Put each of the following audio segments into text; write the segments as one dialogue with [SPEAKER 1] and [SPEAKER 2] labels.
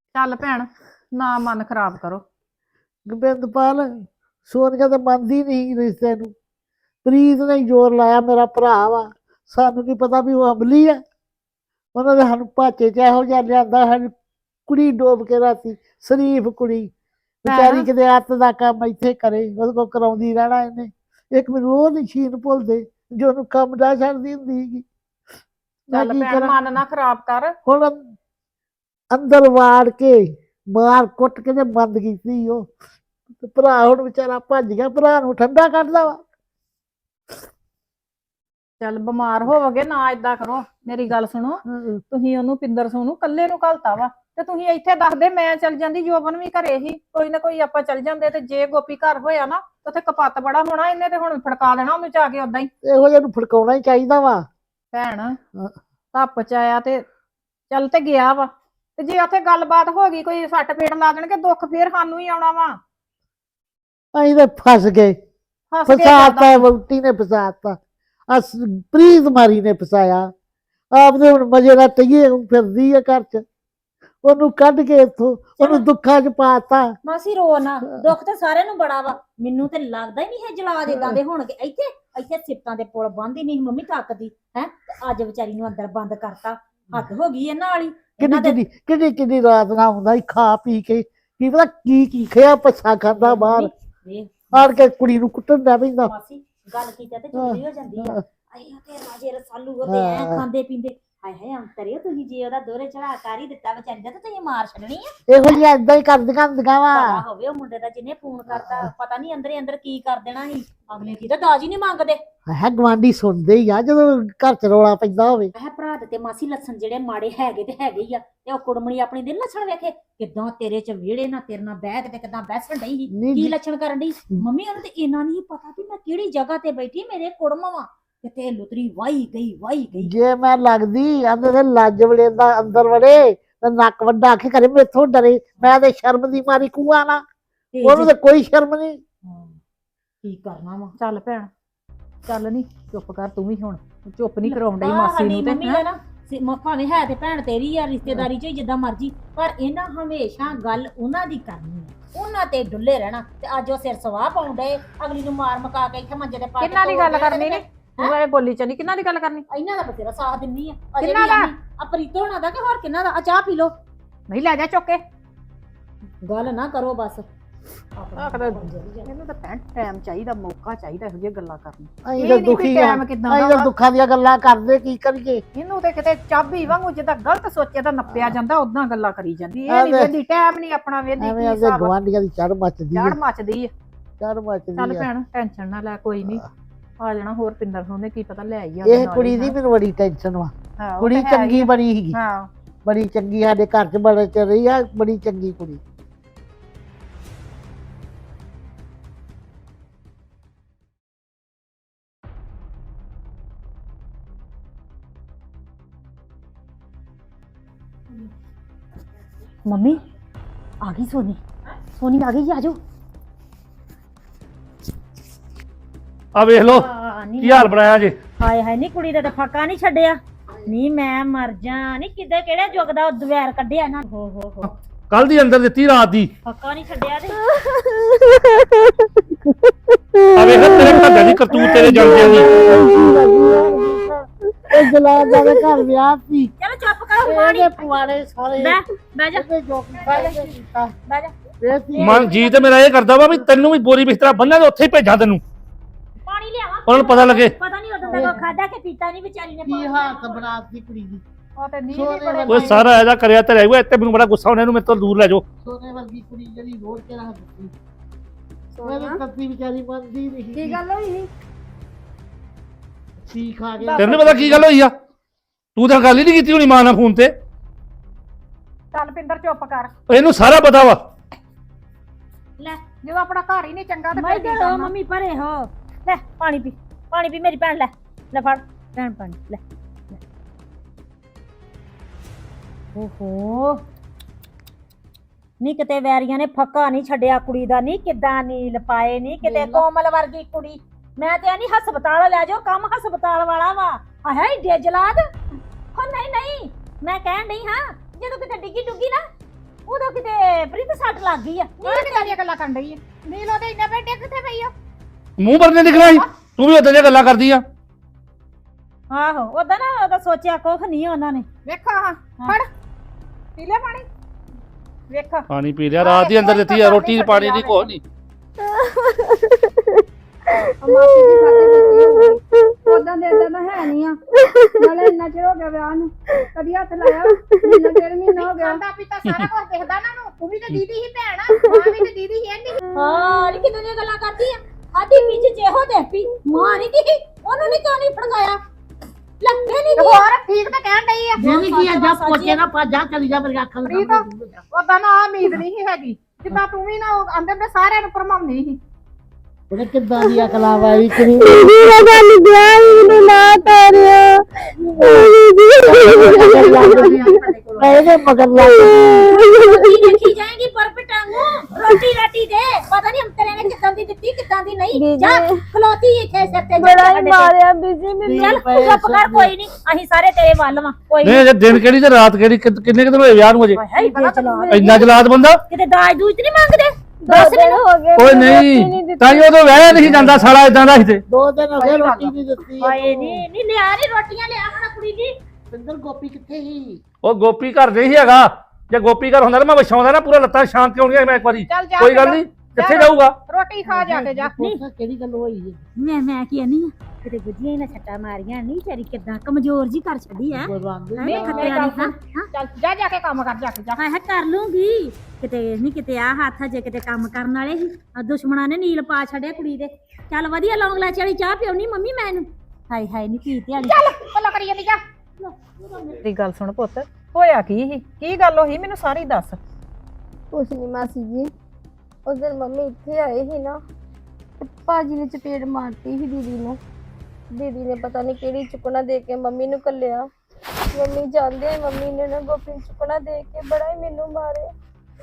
[SPEAKER 1] ਚੱਲ ਭੈਣ ਨਾ ਮਨ ਖਰਾਬ ਕਰੋ।
[SPEAKER 2] ਗੋਬਿੰਦਪਾਲ ਸੋਨੀਆ ਤਾਂ ਮੰਨਦੀ ਨਹੀਂ ਰਿਸ਼ਤੇ ਨੂੰ। ਪ੍ਰੀਤ ਨੇ ਜ਼ੋਰ ਲਾਇਆ, ਮੇਰਾ ਭਰਾ ਵਾ, ਸਾਨੂੰ ਕੀ ਪਤਾ ਵੀ ਉਹ ਅਮਲੀ ਆ। ਉਹਨਾਂ ਨੇ ਸਾਨੂੰ ਭਾਚੇ ਚ ਇਹੋ ਜਿਹਾ ਲਿਆਂਦਾ, ਸਾਡੀ ਕੁੜੀ ਡੋਬ ਕੇ ਰਾਤੀ, ਸ਼ਰੀਫ ਕੁੜੀ ਵਿਚਾਰੀ ਕਿਤੇ ਅੱਤ ਦਾ ਕੰਮ ਇੱਥੇ ਕਰੇ, ਉਹਦੇ ਕੋਲ ਕਰਾਉਂਦੀ ਰਹਿਣਾ ਇਹਨੇ। ਇੱਕ ਮੈਨੂੰ ਉਹ ਨੀ ਸ਼ੀਨ ਭੁੱਲਦੇ ਜੋ ਉਹਨੂੰ ਕੰਮ ਦਾ ਛੱਡਦੀ ਹੁੰਦੀ ਸੀਗੀ। ਮੈਂ
[SPEAKER 1] ਚੱਲ
[SPEAKER 2] ਕੀ
[SPEAKER 1] ਭੈਣ
[SPEAKER 2] ਕਰਾਂ
[SPEAKER 1] ਮਨ ਨਾ ਖਰਾਬ ਕਰ।
[SPEAKER 2] ਹੁਣ? ਅੰਦਰ ਵਾੜ ਕੇ ਮਾਰ ਕੁੱਟ ਕੇ ਤੇ ਬੰਦ ਕੀਤੀ ਉਹ। ਤੇ ਭਰਾ ਹੁਣ ਵਿਚਾਰਾ ਭੱਜ ਗਿਆ, ਭਰਾ ਨੂੰ ਠੰਡਾ ਕੱਢਦਾ ਵਾ।
[SPEAKER 1] ਚੱਲ ਬਿਮਾਰ ਹੋਵੋਗੇ ਨਾ ਏਦਾਂ ਕਰੋ, ਮੇਰੀ ਗੱਲ ਸੁਣੋ। ਤੁਸੀਂ ਉਹਨੂੰ ਪਿੰਦਰ ਸੋਨੂੰ ਕੱਲੇ ਨੂੰ ਘਲਤਾ ਵਾ, ਤੇ ਤੁਸੀਂ ਇੱਥੇ ਦੱਸਦੇ ਮੈਂ ਚੱਲ ਜਾਂਦੀ, ਜੋਬਨ ਵੀ ਘਰੇ ਹੀ, ਕੋਈ ਨਾ ਕੋਈ ਆਪਾਂ ਚੱਲ ਜਾਂਦੇ। ਤੇ ਜੇ ਗੋਪੀ ਘਰ ਹੋਇਆ ਨਾ ਤੇ ਉੱਥੇ ਕਪੱਤ ਬੜਾ ਹੋਣਾ, ਇਹਨੇ ਤੇ ਹੁਣ ਫੜਕਾ ਦੇਣਾ ਉਹਨੂੰ ਜਾ ਕੇ ਓਦਾਂ ਹੀ।
[SPEAKER 2] ਇਹੋ ਜਿਹਾ ਨੂੰ ਫੜਕਾਉਣਾ ਹੀ ਚਾਹੀਦਾ ਵਾ।
[SPEAKER 1] ਭੈਣ ਧੱਪ ਚ ਆਇਆ ਤੇ ਚੱਲ ਤੇ ਗਿਆ ਵਾ, ਤੇ ਜੇ ਉੱਥੇ ਗੱਲਬਾਤ ਹੋ ਗਈ, ਕੋਈ ਸੱਟ ਪੇਟ ਲਾ ਦੇਣਗੇ, ਦੁੱਖ ਫੇਰ ਸਾਨੂੰ ਹੀ ਆਉਣਾ ਵਾ।
[SPEAKER 2] ਅਸੀਂ ਤਾਂ ਫਸ ਗਏ,
[SPEAKER 1] ਹੱਸ ਕੇ
[SPEAKER 2] ਫਸਾਤਾ, ਵਹੁਟੀ ਨੇ ਫਸਾਤਾ, ਪ੍ਰੀਤ ਮਾਰੀ ਨੇ ਫਸਾਇਆ। ਆਪਦੇ ਹੁਣ ਮਜੇ ਨਾਲ ਟਈਏ ਫਿਰਦੀ ਆ ਘਰ ਚ, ਉਹਨੂੰ ਕੱਢ ਕੇ ਇੱਥੋਂ ਉਹਨੂੰ ਦੁੱਖਾਂ ਚ ਪਾਤਾ।
[SPEAKER 3] ਮਾਸੀ ਰੋ ਨਾ, ਦੁੱਖ ਤਾਂ ਸਾਰਿਆਂ ਨੂੰ ਬੜਾ ਵਾ, ਮੈਨੂੰ ਤੇ ਲੱਗਦਾ ਹੀ ਨਹੀਂ ਹੈ ਜਲਾਦ ਏਦਾਂ ਦੇ ਹੋਣਗੇ। ਇੱਥੇ ਇੱਥੇ ਸਿਫਤਾਂ ਦੇ ਪੁਲ ਬੰਨ੍ਹਦੀ ਨਹੀਂ ਮੰਮੀ ਥੱਕਦੀ ਹੈ, ਤੇ ਅੱਜ ਵਿਚਾਰੀ ਨੂੰ ਅੰਦਰ ਬੰਦ ਕਰਤਾ। ਹੱਦ ਹੋ ਗਈ ਇਹਨਾਂ ਵਾਲੀ।
[SPEAKER 2] ਕਿੰਨੀ ਰਾਤ ਨਾ ਹੁੰਦਾ ਸੀ ਖਾ ਪੀ ਕੇ, ਕੀ ਪਤਾ ਕੀ ਖਿਆ ਪੱਛਾ ਖਾਂਦਾ ਬਾਹਰ ਆੜ ਕੇ ਕੁੜੀ ਨੂੰ ਕੁੱਟਣ ਦਾ ਪੈਂਦਾ।
[SPEAKER 3] ਮਾਸੀ ਗੱਲ ਕੀਤਾ ਤੇ ਚੋਰੀ ਹੋ ਜਾਂਦੀ ਆ। ਆਏ ਤੇ ਰਾਜੇ ਰਸਾਲੂ ਉਹਦੇ ਐ ਖਾਂਦੇ ਪੀਂਦੇ, ਹਾਏ ਹਾਏ ਅੰਤਰੇ ਤੁਸੀਂ ਜੇ ਉਹਦਾ ਦੋਹਰੇ ਚੜਾ ਕਰ ਹੀ ਦਿੱਤਾ ਵਿਚਾਰੀ ਦਾ, ਤੇ ਤੁਸੀਂ ਮਾਰ ਛੱਡਣੀ ਆ।
[SPEAKER 2] ਇਹੋ ਜਿਹਾ ਏਦਾਂ ਹੀ ਕਰਦੀਆਂ ਹੁੰਦੀਆਂ ਵਾ।
[SPEAKER 3] ਪਤਾ ਹੋਵੇ ਉਹ ਮੁੰਡੇ ਦਾ ਜਿਹਨੇ ਫੋਨ ਕਰਤਾ, ਪਤਾ ਨਹੀਂ ਅੰਦਰੇ ਅੰਦਰ ਕੀ ਕਰ ਦੇਣਾ ਸੀ। ਅਗਲੇ ਕੀ ਤਾਂ ਦਾਜ ਹੀ ਨਹੀਂ ਮੰਗਦੇ।
[SPEAKER 2] ਹੈ ਗਵਾਂਢੀ ਸੁਣਦੇ ਹੀ ਆ ਜਦੋਂ ਘਰ ਚ ਰੌਲਾ ਪੈਂਦਾ ਹੋਵੇ।
[SPEAKER 3] ਇਹ ਭਰਾ ਦੇ ਤੇ ਮਾਸੀ ਲੱਛਣ ਜਿਹੜੇ ਮਾੜੇ ਹੈਗੇ ਤੇ ਹੈਗੇ ਹੀ ਆ। ਤੇ ਉਹ ਕੁੜਮਣੀ ਆਪਣੀ ਦੇ ਲੱਛਣ ਵੇਖੇ ਕਿਦਾਂ ਤੇਰੇ ਚ ਵਿਹੜੇ ਨਾ ਤੇਰੇ ਨਾਲ ਬਹਿ ਕੇ ਤੇ ਕਿਦਾਂ ਬਹਿਸਣ ਡਈ ਸੀ, ਕੀ ਲੱਛਣ ਕਰਨ ਡਈ ਮੰਮੀ। ਉਹਨੂੰ ਤੇ ਇੰਨਾ ਨਹੀਂ ਪਤਾ ਵੀ ਮੈਂ ਕਿਹੜੀ ਜਗ੍ਹਾ ਤੇ ਬੈਠੀ, ਮੇਰੇ ਕੁੜਮ ਵਾ ਕਿਤੇ ਲੁਤਰੀ ਵਾਈ ਗਈ।
[SPEAKER 2] ਜੇ ਮੈਂ ਲੱਗਦੀ ਆਂਦੇ ਤੇ ਲੱਜ ਵੜੇ ਦਾ ਅੰਦਰ ਵੜੇ ਤੇ ਨੱਕ ਵੱਡਾ ਆਖੇ ਕਰੇ ਮੈਥੋਂ ਡਰੇ। ਮੈਂ ਤੇ ਸ਼ਰਮ ਦੀ ਮਾਰੀ ਕੂਆ ਨਾ, ਉਹਨੂੰ ਤੇ ਕੋਈ ਸ਼ਰਮ ਨਹੀਂ।
[SPEAKER 3] ਕੀ ਕਰਨਾ ਵਾ।
[SPEAKER 1] ਚੱਲ ਭੈਣ ਚੱਲ, ਨੀ ਚੁੱਪ ਕਰ ਤੂੰ ਵੀ, ਹੁਣ ਚੁੱਪ ਨਹੀਂ ਕਰਾਉਣ ਡਈ ਮਾਸੀ ਨੂੰ ਤੇ।
[SPEAKER 3] ਮੰਮੀ ਆ ਨਾ ਭਾਵੇਂ ਹੈ ਤੇ ਭੈਣ ਤੇਰੀ ਆ, ਰਿਸ਼ਤੇਦਾਰੀ ਚ ਜਿੱਦਾਂ ਮਰਜੀ, ਪਰ ਇਹਨਾਂ ਹਮੇਸ਼ਾ ਗੱਲ ਉਹਨਾਂ ਦੀ ਕਰਨੀ ਆ, ਉਹਨਾਂ ਤੇ ਡੁੱਲੇ ਰਹਿਣਾ। ਤੇ ਅੱਜ ਉਹ ਸਿਰ ਸਵਾਹ ਪਾਉਂਦੇ, ਅਗਲੀ ਨੂੰ ਮਾਰ ਮਕਾ ਕੇ ਇੱਥੇ ਮੰਜੇ ਤੇ ਪਾ ਕੇ।
[SPEAKER 1] ਕਿੰਨਾ ਦੀ ਗੱਲ ਕਰਨੀ ਨੇ ਤੂੰ, ਇਹ ਬੋਲੀ ਚਲੀ ਕਿੰਨਾ ਦੀ ਗੱਲ ਕਰਨੀ?
[SPEAKER 3] ਇਹਨਾਂ ਦਾ ਬਥੇਰਾ ਸਾਥ ਦਿੰਨੀ ਆ।
[SPEAKER 1] ਕਿੰਨਾ ਦਾ?
[SPEAKER 3] ਆ ਪ੍ਰੀਤੋ ਹੋਣਾ ਦਾ ਕਿ ਹੋਰ ਕਿੰਨਾ ਦਾ? ਆ ਚਾਹ ਪੀ ਲੋ।
[SPEAKER 1] ਨਹੀਂ ਲੈ ਜਾ ਚੁੱਕ ਕੇ,
[SPEAKER 3] ਗੱਲ ਨਾ ਕਰੋ ਬਸ।
[SPEAKER 1] ਇਹਨੂੰ ਤਾਂ ਭੈਣ ਟਾਈਮ ਚਾਹੀਦਾ, ਮੌਕਾ ਚਾਹੀਦਾ ਇਹੋ ਜਿਹੀਆਂ ਗੱਲਾਂ ਕਰਨ।
[SPEAKER 2] ਅਸੀਂ ਤਾਂ ਦੁਖੀ ਆ, ਅਸੀਂ ਤਾਂ ਦੁੱਖਾਂ ਦੀਆਂ ਗੱਲਾਂ ਕਰਦੇ, ਕੀ ਕਰੀਏ।
[SPEAKER 1] ਇਹਨੂੰ ਤੇ ਕਿਤੇ ਚਾਬੀ ਵਾਂਗੂ ਜਿੱਦਾਂ ਗਲਤ ਸੋਚੇ ਤਾਂ ਨੱਪਿਆ ਜਾਂਦਾ, ਉਦਾਂ ਗੱਲਾਂ ਕਰੀ ਜਾਂਦੀ। ਇਹ ਨਹੀਂ ਵੇਂਦੀ, ਟਾਈਮ ਨਹੀਂ ਆਪਣਾ ਵੇਂਦੀ।
[SPEAKER 2] ਐਵੇਂ ਆਦੇ ਗਵਾਂਢੀਆਂ ਦੀ ਚੜ ਮੱਚਦੀ
[SPEAKER 1] ਚੜ ਮੱਚਦੀ ਆ।
[SPEAKER 2] ਚੜ ਮੱਚਦੀ
[SPEAKER 1] ਚੱਲ
[SPEAKER 2] ਆ।
[SPEAKER 1] ਭੈਣ ਟੈਨਸ਼ਨ ਨਾ ਲੈ, ਕੋਈ ਨਹੀਂ ਆ ਜਾਣਾ ਹੋਰ। ਪਿੰਦਰ ਉਹਨੇ ਕੀ ਪਤਾ ਲੈ ਆਈ ਆ।
[SPEAKER 2] ਇਹ ਕੁੜੀ ਦੀ ਮੈਨੂੰ ਬੜੀ ਟੈਨਸ਼ਨ ਵਾ। ਕੁੜੀ ਚੰਗੀ ਬਣੀ ਸੀਗੀ,
[SPEAKER 1] ਹਾਂ
[SPEAKER 2] ਬੜੀ ਚੰਗੀ, ਸਾਡੇ ਘਰ ਚ ਬੜੇ ਚ ਰਹੀ ਆ, ਬੜੀ ਚੰਗੀ ਕੁੜੀ।
[SPEAKER 3] ਮੰਮੀ ਆ ਗਈ ਸੋਨੀ, ਸੋਨੀ ਆ ਗਈ ਜੀ, ਆਜੋ।
[SPEAKER 4] ਆ ਵੇਖ ਲੋ ਕੀ ਹਾਲ ਬਣਾਇਆ ਜੇ।
[SPEAKER 3] ਹਾਏ ਹਾਏ, ਨੀ ਕੁੜੀ ਦਾ ਤਾਂ ਫਾਕਾ ਨਹੀਂ ਛੱਡਿਆ। ਨੀ ਮੈਂ ਮਰ ਜਾ, ਨੀ ਕਿਤੇ ਕਿਹੜੇ ਜੁਗ ਦਾ ਦਵੈਰ ਕੱਢਿਆ ਨਾ। ਹੋ
[SPEAKER 4] ਕੱਲ ਦੀ ਅੰਦਰ ਦਿੱਤੀ, ਰਾਤ ਦੀ
[SPEAKER 3] ਫਾਕਾ ਨਹੀਂ ਛੱਡਿਆ ਤੇ।
[SPEAKER 4] ਆ ਵੇਖ ਤੇਰੇ ਘਰ ਦੀ ਕਰਤੂਤ, ਤੇਰੇ ਜਾਂਦੇ ਦੀ।
[SPEAKER 2] ਇਹ ਜਲਾਦ ਦਾ ਘਰ ਵਿਆਹ ਸੀ,
[SPEAKER 3] ਚਲੋ ਚੁੱਪ ਕਰੋ ਪਾਣੀ।
[SPEAKER 2] ਇਹਦੇ ਪੁਆੜੇ ਸਾਰੇ
[SPEAKER 3] ਬਹਿ ਜਾ
[SPEAKER 2] ਇਹਦੇ ਜੋ ਕੀਤਾ ਕੀਤਾ
[SPEAKER 3] ਬਹਿ ਜਾ।
[SPEAKER 2] ਇਹ ਸੀ।
[SPEAKER 4] ਮਨ ਜੀ ਤੇ ਮੇਰਾ ਇਹ ਕਰਦਾ ਵਾ ਵੀ ਤੈਨੂੰ ਵੀ ਬੋਰੀ ਬਿਸਤਰਾ ਬੰਨ੍ਹਾ ਤੇ ਉੱਥੇ ਹੀ ਭੇਜਾਂ ਤੈਨੂੰ,
[SPEAKER 3] ਪਾਣੀ ਲਿਆਵਾਂ।
[SPEAKER 4] ਉਹਨਾਂ ਨੂੰ ਪਤਾ ਲੱਗੇ।
[SPEAKER 3] ਪਤਾ ਨਹੀਂ ਉਦੋਂ ਤੱਕ ਖਾਦਾ ਕਿ ਪੀਤਾ ਨਹੀਂ ਵਿਚਾਰੀ ਨੇ।
[SPEAKER 2] ਕੀ ਹਾਲਤ ਬਣਾਤੀ ਕੁੜੀ ਦੀ।
[SPEAKER 1] ਉਹ ਤੇ ਨੀਂਦ
[SPEAKER 2] ਸੋਨੇ
[SPEAKER 1] ਹੀ ਬੜੇ
[SPEAKER 4] ਓਏ ਸਾਰਾ ਇਹਦਾ ਕਰਿਆ ਤੇ ਰਹਿ ਗਿਆ। ਇੱਥੇ ਮੈਨੂੰ ਬੜਾ ਗੁੱਸਾ ਆਉਂਦਾ, ਇਹਨੂੰ ਮੇਰੇ ਤੋਂ ਦੂਰ ਲੈ ਜਾਓ।
[SPEAKER 2] ਸੋਨੇ ਵਰਗੀ ਕੁੜੀ ਜਿਹੜੀ ਰੋੜ ਕੇ ਰੱਖ ਦਿੱਤੀ। ਉਹਨੇ ਕੱਤੀ ਵਿਚਾਰੀ ਮੰਨਦੀ ਨਹੀਂ।
[SPEAKER 1] ਕੀ ਗੱਲ ਹੋਈ ਸੀ?
[SPEAKER 2] ਕੀ ਖਾ ਗਿਆ।
[SPEAKER 4] ਤੈਨੂੰ ਨੀ ਪਤਾ ਕੀ ਗੱਲ ਹੋਈ ਆ? ਤੂੰ ਤਾਂ ਗੱਲ ਹੀ ਨਹੀਂ ਕੀਤੀ ਹੋਣੀ ਮਾਂ ਨਾਲ ਫੋਨ ਤੇ।
[SPEAKER 1] ਚੱਲ ਪਿੰਦਰ ਚੁੱਪ ਕਰ,
[SPEAKER 4] ਇਹਨੂੰ ਸਾਰਾ ਪਤਾ ਵਾ।
[SPEAKER 3] ਲੈ
[SPEAKER 1] ਜਦੋਂ ਆਪਣਾ ਘਰ ਹੀ ਨਹੀਂ ਚੰਗਾ ਤੇ
[SPEAKER 3] ਮੈਂ ਕਿਹਾ ਮੰਮੀ ਪਰੇ ਹੋ। ਲੈ ਪਾਣੀ ਪੀ, ਪਾਣੀ ਪੀ ਮੇਰੀ ਭੈਣ। ਲੈ ਫੜ ਭੈਣ ਪਾਣੀ ਲੈ। ਓਹੋ ਨੀ ਕਿਤੇ ਵੈਰੀਆਂ ਨੇ ਫੱਕਾ ਨਹੀਂ ਛੱਡਿਆ ਕੁੜੀ ਦਾ। ਨੀ ਕਿੱਦਾਂ ਨੀਲ ਪਾਏ, ਨੀ ਕਿਤੇ ਕੋਮਲ ਵਰਗੀ ਕੁੜੀ। ਮੈਂ ਤੇ ਨਹੀਂ ਹਸਪਤਾਲ ਲੈ ਜਾਓ, ਕੰਮ ਹਸਪਤਾਲ ਵਾਲਾ ਵਾ। ਆਹ ਏਡੇ ਜਲਾਦ। ਹੋ ਨਹੀਂ ਮੈਂ ਕਹਿਣ ਡਈ ਹਾਂ, ਜਦੋਂ ਕਿਤੇ ਡਿੱਗੀ ਡੁੱਗੀ ਨਾ ਉਦੋਂ ਕਿਤੇ ਪ੍ਰੀਤ ਸੱਟ ਲੱਗ ਗਈ ਆ
[SPEAKER 1] ਇਹ ਕਿਦਾਂ ਦੀਆਂ ਗੱਲਾਂ ਕਰਨ ਡਈ ਆ ਨੀਲ ਉਹਦੇ ਇੰਨੇ ਬੈਠੇ ਕਿੱਥੇ ਪਈ ਆ
[SPEAKER 4] ਮੂੰਹ ਭਰਨੇ ਦਿਖਣਾ ਸੀ ਤੂੰ ਵੀ ਉਦਾਂ ਦੀਆਂ ਗੱਲਾਂ ਕਰਦੀ ਆ
[SPEAKER 3] ਆਹੋ ਉਹਦਾ ਨਾ ਉਹਦਾ ਸੋਚਿਆ ਕੁਖ ਨਹੀਂ ਉਹਨਾਂ ਨੇ
[SPEAKER 1] ਵੇਖਾ ਹਾਂ ਫੜ ਪੀ ਲੈ ਪਾਣੀ ਵੇਖਾ
[SPEAKER 4] ਪਾਣੀ ਪੀ ਲਿਆ ਰਾਤ ਦੀ ਅੰਦਰ ਦਿੱਤੀ ਆ ਰੋਟੀ ਤੇ ਪਾਣੀ ਦੀ ਕੋਈ ਨਹੀਂ
[SPEAKER 5] ਮਾਸੀ ਜੀ ਸਾਡੇ ਵਿੱਚ ਉਦਾਂ ਦੇ ਇਦਾਂ ਦਾ ਹੈ ਨਹੀਂ ਆ ਨਾਲੇ ਇੰਨਾ ਚਿਰ ਹੋ ਗਿਆ ਵਿਆਹ ਨੂੰ ਕਦੀ ਹੱਥ ਲਾਇਆ ਮਹੀਨਾ ਡੇਢ ਮਹੀਨਾ ਹੋ ਗਿਆ
[SPEAKER 1] ਖਾਂਦਾ ਪੀਤਾ ਸਾਰਾ ਕੁਝ ਦੇਖਦਾ ਨਾ ਨੂੰ ਤੂੰ ਵੀ ਤੇ ਦੀਦੀ ਹੀ ਭੈਣ ਮਾਂ ਵੀ ਤੇ ਦੀਦੀ ਹੀ ਐਂਦੀ
[SPEAKER 3] ਹਾਂ ਇਹ ਕਿਦਾਂ ਦੀਆਂ ਗੱਲਾਂ ਕਰਦੀ ਆ ਆਦੀ ਵਿੱਚ ਜਿਹੋ ਦੇਖੀ ਮਾਂ ਨਹੀਂ ਦੀ ਉਹਨੂੰ ਨਹੀਂ ਕਿਉਂ ਨਹੀਂ ਫੜਾਇਆ ਲੱਗਦੇ ਨਹੀਂ
[SPEAKER 1] ਹੋਰ ਠੀਕ ਤਾਂ ਕਹਿਣ ਡਈ ਆ
[SPEAKER 2] ਜਿਹੜੀ ਕੀ ਆ ਜਾ ਪੋਚੇ ਨਾ ਪਾ ਜਾ ਚਲੀ ਜਾ ਮੇਰੀ ਅੱਖਾਂ
[SPEAKER 1] ਪ੍ਰੀਤ ਉਹਦਾ ਨਾ ਆਹ ਉਮੀਦ ਨਹੀਂ ਸੀ ਹੈਗੀ ਜਿੱਦਾਂ ਤੂੰ ਵੀ ਨਾ ਅੰਦਰ ਦੇ ਸਾਰਿਆਂ ਨੂੰ ਭਰਮਾਉਂਦੀ ਸੀ
[SPEAKER 2] ਉਹਨੇ ਕਿੱਦਾਂ ਦੀ ਅਕਲਾਂ ਵਾਲੀ ਕਰੀ ਇਹਦੇ ਮਗਰ ਲੱਗ
[SPEAKER 3] ਰੋਟੀ ਦੇਖੀ ਜਾਏਗੀ ਪਰ ਪਟਾਂਗੂ ਰੋਟੀ ਰਾਟੀ ਦੇ ਪਤਾ ਨਹੀਂ ਹਮਤਰੇ ਨੇ ਕਿੱਦਾਂ ਦੀ ਦਿੱਤੀ ਕਿੱਦਾਂ ਦੀ ਨਹੀਂ ਜਾ ਖਲੋਤੀ ਇੱਥੇ ਸਿਰ ਤੇ
[SPEAKER 5] ਬੜਾ ਹੀ ਮਾਰਿਆ ਬੀਜੀ ਮੈਨੂੰ
[SPEAKER 3] ਚੱਲ ਚੁੱਪ ਕਰ ਕੋਈ ਨਹੀਂ ਅਸੀਂ ਸਾਰੇ ਤੇਰੇ ਵੱਲ ਵਾਂ ਕੋਈ
[SPEAKER 4] ਨਹੀਂ ਜੇ ਦਿਨ ਕਿਹੜੀ ਤੇ ਰਾਤ ਕਿਹੜੀ ਕਿੰਨੇ ਕਿਤੇ ਹੋਏ ਵਿਆਹ ਨੂੰ ਅਜੇ
[SPEAKER 3] ਹਾਏ ਬੇਚਲਾ
[SPEAKER 4] ਇੰਨਾ ਜਲਾਦ ਬੰਦਾ
[SPEAKER 3] ਕਿਤੇ ਦਾਜ ਦੂਜ ਤੇ ਨਹੀਂ ਮੰਗਦੇ
[SPEAKER 5] ਦੱਸ ਦਿਨ ਹੋ ਗਏ
[SPEAKER 4] ਓਏ ਨਹੀਂ ਤਾਂ ਹੀ ਉਦੋਂ ਵਹਿ ਨਹੀਂ ਜਾਂਦਾ ਸਾਲਾ ਇਦਾਂ ਦਾ ਸੀ ਤੇ
[SPEAKER 2] 2 ਦਿਨ ਹੋ ਗਏ ਰੋਟੀ ਨਹੀਂ ਦਿੱਤੀ
[SPEAKER 3] ਹਾਏ ਨਹੀਂ ਲਿਆ ਨਹੀਂ ਰੋਟੀਆਂ ਲਿਆ ਹੁਣ ਕੁੜੀ ਦੀ
[SPEAKER 2] ਪਿੰਦਰ ਗੋਪੀ ਕਿੱਥੇ ਸੀ
[SPEAKER 4] ਉਹ ਗੋਪੀ ਘਰ ਨਹੀਂ ਸੀ ਹੈਗਾ ਜੇ ਗੋਪੀ ਘਰ ਹੁੰਦਾ ਤਾਂ ਮੈਂ ਵਿਛਾਉਂਦਾ ਨਾ ਪੂਰਾ ਲੱਤਾਂ ਸ਼ਾਂਤ ਕਿਉਂ ਨਹੀਂ ਮੈਂ ਇੱਕ ਵਾਰੀ
[SPEAKER 1] ਚੱਲ ਜਾ
[SPEAKER 4] ਕੋਈ ਗੱਲ ਨਹੀਂ ਕਿੱਥੇ ਜਾਊਗਾ
[SPEAKER 1] ਰੋਟੀ ਖਾ ਜਾ ਕੇ ਜਾ
[SPEAKER 2] ਕਿਹੜੀ ਗੱਲ ਹੋਈ ਜੀ
[SPEAKER 3] ਮੈਂ ਕੀ ਨਹੀਂ ਕਿਤੇ ਗੁੱਜੀਆਂ ਹੀ ਨਾ ਛੱਟਾ ਮਾਰੀਆਂ ਨਹੀਂ ਤੇਰੀ ਕਿਦਾਂ ਕਮਜ਼ੋਰ ਜੀ ਕਰ ਛੱਡੀ ਐ ਨਹੀਂ ਖਤਿਆ ਨਹੀਂ ਹਾਂ
[SPEAKER 1] ਚੱਲ ਜਾ ਜਾ ਕੇ ਕੰਮ ਕਰ ਜਾ ਕੇ ਜਾ
[SPEAKER 3] ਹਾਏ ਕਰ ਲੂੰਗੀ ਕਿਤੇ ਨਹੀਂ ਕਿਤੇ ਆ ਹੱਥ ਜੇ ਕਿਤੇ ਕੰਮ ਕਰਨ ਵਾਲੇ ਸੀ ਆ ਦੁਸ਼ਮਣਾਂ ਨੇ ਨੀਲ ਪਾ ਛੱਡਿਆ ਕੁੜੀ ਦੇ ਚੱਲ ਵਧੀਆ ਲੌਂਗ ਲਾਚ ਵਾਲੀ ਚਾਹ ਪਿਉਣੀ ਮੰਮੀ ਮੈਂ ਇਹਨੂੰ ਹਾਏ ਹਾਏ ਨਹੀਂ ਪੀ ਧਿਆਣੀ
[SPEAKER 1] ਚੱਲ ਭਲਾ ਕਰੀ ਜਾਂਦੀ ਜਾ ਮੇਰੀ ਗੱਲ ਸੁਣ ਪੁੱਤ ਹੋਇਆ ਕੀ ਗੱਲ ਹੋਈ ਮੈਨੂੰ ਸਾਰੀ ਦੱਸ
[SPEAKER 5] ਕੁਛ ਨਹੀਂ ਮਾਸੀ ਜੀ ਉਸ ਦਿਨ ਮੰਮੀ ਇੱਥੇ ਆਏ ਸੀ ਨਾ ਤੇ ਭਾਜੀ ਨੇ ਚਪੇੜ ਮਾਰਤੀ ਸੀ ਦੀਦੀ ਨੂੰ ਦੀਦੀ ਨੇ ਪਤਾ ਨਹੀਂ ਕਿਹੜੀ ਚੁੱਕਣਾ ਦੇ ਕੇ ਮੰਮੀ ਨੂੰ ਕੱਲਿਆ ਮੰਮੀ ਜਾਂਦੇ ਮੰਮੀ ਨੇ ਨਾ ਗੋਪੀ ਨੂੰ ਚੁੱਕਣਾ ਦੇ ਕੇ ਬੜਾ ਹੀ ਮੈਨੂੰ ਮਾਰਿਆ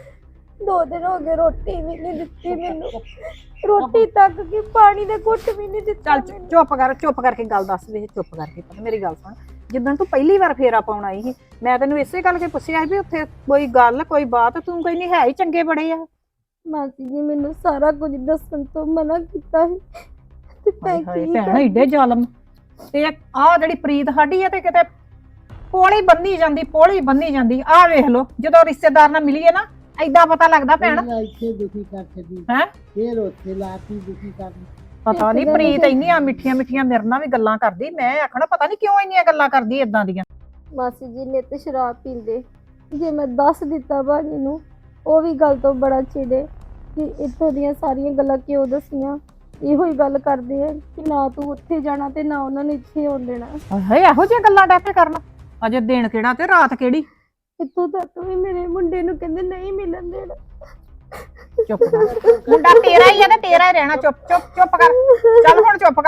[SPEAKER 5] 2 ਦਿਨ ਹੋ ਗਏ ਰੋਟੀ ਵੀ ਨਹੀਂ ਦਿੱਤੀ ਮੈਨੂੰ ਰੋਟੀ ਤੱਕ ਕਿ ਪਾਣੀ ਦੇ ਘੁੱਟ ਵੀ ਨਹੀਂ ਦਿੱਤਾ
[SPEAKER 1] ਚੱਲ ਚੁੱਪ ਕਰਕੇ ਗੱਲ ਦੱਸ ਵੇ ਚੁੱਪ ਕਰਕੇ ਪਤਾ ਮੇਰੀ ਗੱਲ ਸੁਣ ਜਿੱਦਣ ਤੂੰ ਪਹਿਲੀ ਵਾਰ ਫੇਰਾ ਪਾਉਣ ਆਈ ਸੀ ਮੈਂ ਤੈਨੂੰ ਇਸੇ ਗੱਲ ਕੇ ਪੁੱਛਿਆ ਸੀ ਵੀ ਉੱਥੇ ਕੋਈ ਗੱਲ ਕੋਈ ਬਾਤ ਤੂੰ ਕੋਈ ਨਹੀਂ ਹੈ ਹੀ ਚੰਗੇ ਬੜੇ ਆ
[SPEAKER 5] ਮਾਸੀ ਜੀ ਮੈਨੂੰ ਸਾਰਾ ਕੁਝ ਦੱਸਣ ਤੋਂ ਮਨਾ ਕੀਤਾ ਸੀ ਤੇ ਮੈਂ
[SPEAKER 1] ਹਾਏ
[SPEAKER 5] ਕੀ
[SPEAKER 1] ਭੈਣ ਏਡੇ ਜ਼ਾਲਮ ਤੇ ਆਹ ਜਿਹੜੀ ਪ੍ਰੀਤ ਸਾਡੀ ਆ ਤੇ ਕਿਤੇ ਪੋਲੀ ਬੰਨੀ ਜਾਂਦੀ ਆਹ ਵੇਖ ਲੋ ਜਦੋਂ ਰਿਸ਼ਤੇਦਾਰ ਨਾਲ ਮਿਲੀਏ ਨਾ ਐਦਾਂ ਪਤਾ ਲੱਗਦਾ ਭੈਣ
[SPEAKER 2] ਇੱਥੇ ਦੁਖੀ ਕਰ ਛੱਡੀ
[SPEAKER 1] ਹੈ
[SPEAKER 2] ਫੇਰ ਉੱਥੇ ਲਾਤੀ ਦੁਖੀ ਕਰਨੀ
[SPEAKER 1] ਪਤਾ ਨਹੀਂ ਪ੍ਰੀਤ ਇੰਨੀਆਂ ਮਿੱਠੀਆਂ ਮੇਰੇ ਨਾਲ ਵੀ ਗੱਲਾਂ ਕਰਦੀ ਮੈਂ ਆਖਣਾ ਪਤਾ ਨਹੀਂ ਕਿਉਂ ਇੰਨੀਆਂ ਗੱਲਾਂ ਕਰਦੀ ਏਦਾਂ ਦੀਆਂ
[SPEAKER 5] ਮਾਸੀ ਜੀ ਨੇ ਤੇ ਸ਼ਰਾਬ ਪੀਂਦੇ ਜੇ ਮੈਂ ਦੱਸ ਦਿੱਤਾ ਭਾਜੀ ਨੂੰ ਉਹ ਵੀ ਗੱਲ ਤੋਂ ਬੜਾ ਚਿੜੇ ਕਿ ਇੱਥੋਂ ਦੀਆਂ ਸਾਰੀਆਂ ਗੱਲਾਂ ਕਿਉਂ ਦੱਸੀਆਂ ਇਹੋ ਹੀ ਗੱਲ ਕਰਦੇ ਆ ਕਿ ਨਾ ਤੂੰ ਉੱਥੇ ਜਾਣਾ ਤੇ ਨਾ ਉਹਨਾਂ ਨੇ ਇੱਥੇ ਆਉਣ ਦੇਣਾ
[SPEAKER 1] ਹਾਏ ਇਹੋ ਜਿਹੀਆਂ ਗੱਲਾਂ ਡੈਪੇ ਕਰਨਾ ਅਜੇ ਦਿਨ ਕਿਹੜਾ ਤੇ ਰਾਤ ਕਿਹੜੀ
[SPEAKER 5] ਇੱਥੋਂ ਤੱਕ ਵੀ ਮੇਰੇ ਮੁੰਡੇ ਨੂੰ ਕਹਿੰਦੇ ਨਹੀਂ ਮਿਲਣ ਦੇਣਾ
[SPEAKER 1] ਚੁੱਪ ਕਰ ਮੁੰਡਾ ਤੇਰਾ ਹੀ ਆ ਤੇ ਤੇਰਾ ਹੀ ਰਹਿਣਾ ਚੁੱਪ ਕਰ ਚੱਲ ਹੁਣ ਚੁੱਪ